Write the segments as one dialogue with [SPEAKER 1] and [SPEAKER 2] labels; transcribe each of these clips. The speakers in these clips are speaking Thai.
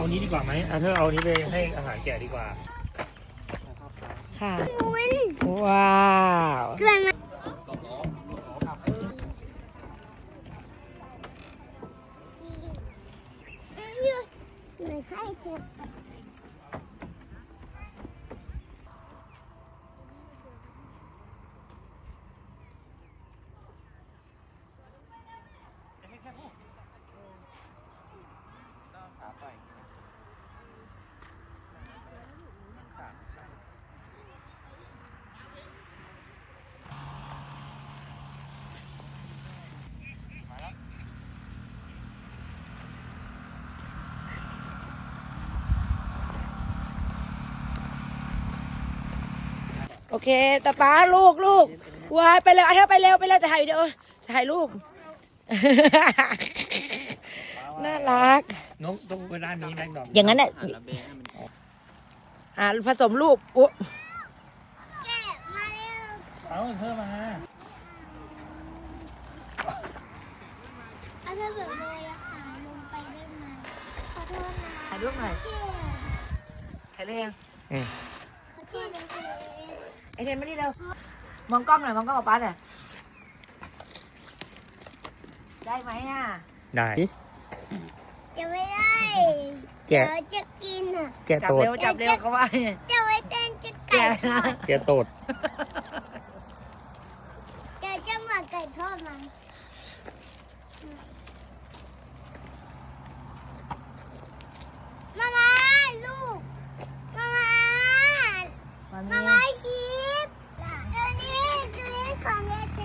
[SPEAKER 1] เอานี้ดีกว่าไหมเธอเอานี้ไปให้อาหารแกะดีกว่า
[SPEAKER 2] ค่ะว้าวสวยมากโอเคตาป้าลูกวายไปเร็วเธอไปเร็วจะถ่ายวิดีโอจะถ่ายรูป น่ารัก
[SPEAKER 1] นกต้องไปด้านนี้แม็กดอก
[SPEAKER 2] อย่างนั้นแหละผสมลูกอุ๊แกะมาเร็ว
[SPEAKER 1] เอาเธอมา
[SPEAKER 2] เอาเธอแบบเลยอะค่ะลงไปได้ไหมขอโทษนะถ่ายรูปหน่อยถ่ายเลยยังขอโทษนะไอเทนมาดิเร็วมองกล้องหน่อยมองกล้องกับป้าหน่อยได้ไหมอ่ะ
[SPEAKER 1] ได้
[SPEAKER 2] จะไม่ได้เดี๋ยวจะกินอ่ะ
[SPEAKER 1] แกะโตด
[SPEAKER 2] จับเร็วเขาว่าจะไว้เต้นจะไก่ทอด
[SPEAKER 1] แกะโตด
[SPEAKER 2] จะมาไก่ทอดมันมาลูกมาชิปตัวนี้ของเด็ก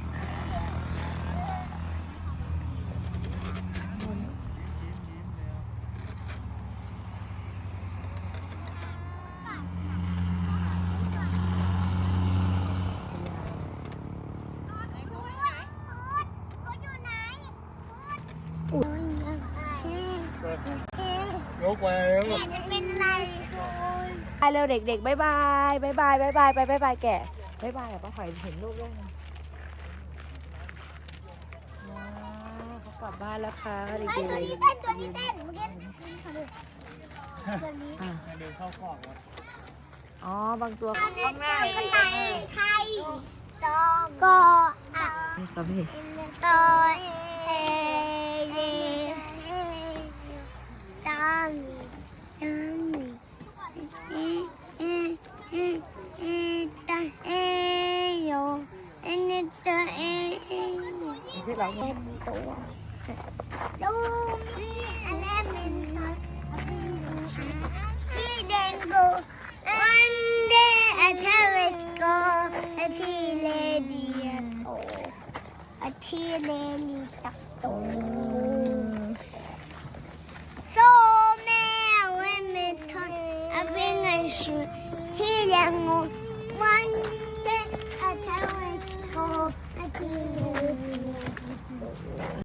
[SPEAKER 1] ยกไปแล้ว
[SPEAKER 2] จะเป็นอะไรไปเร็วเด็กๆบ๊ายบายไปบ๊ายบายแกะบ๊ายบายป้าหอยเห็นลูกด้วยเขากลับบ้านแล้วค่ะเด็กๆตัวนี้เต้นตัวนี้เ
[SPEAKER 1] ดินเข้าคอก
[SPEAKER 2] อ๋อบางตัวข้างหน้าไทยตออ่ะสามีตอเอสามีตาเอโยตาเอที่เราเป็นตัวดูมีอะไรเป็นตัวชีแดงโกวันเดย์อาเทเวสโกอาทีเลดีโตอาทีเลลีตักโตโซแม่เวเมทอนอาเป็นไงชูที่แดงโกวันเดย์อาเทเวสโกอาทีเลดี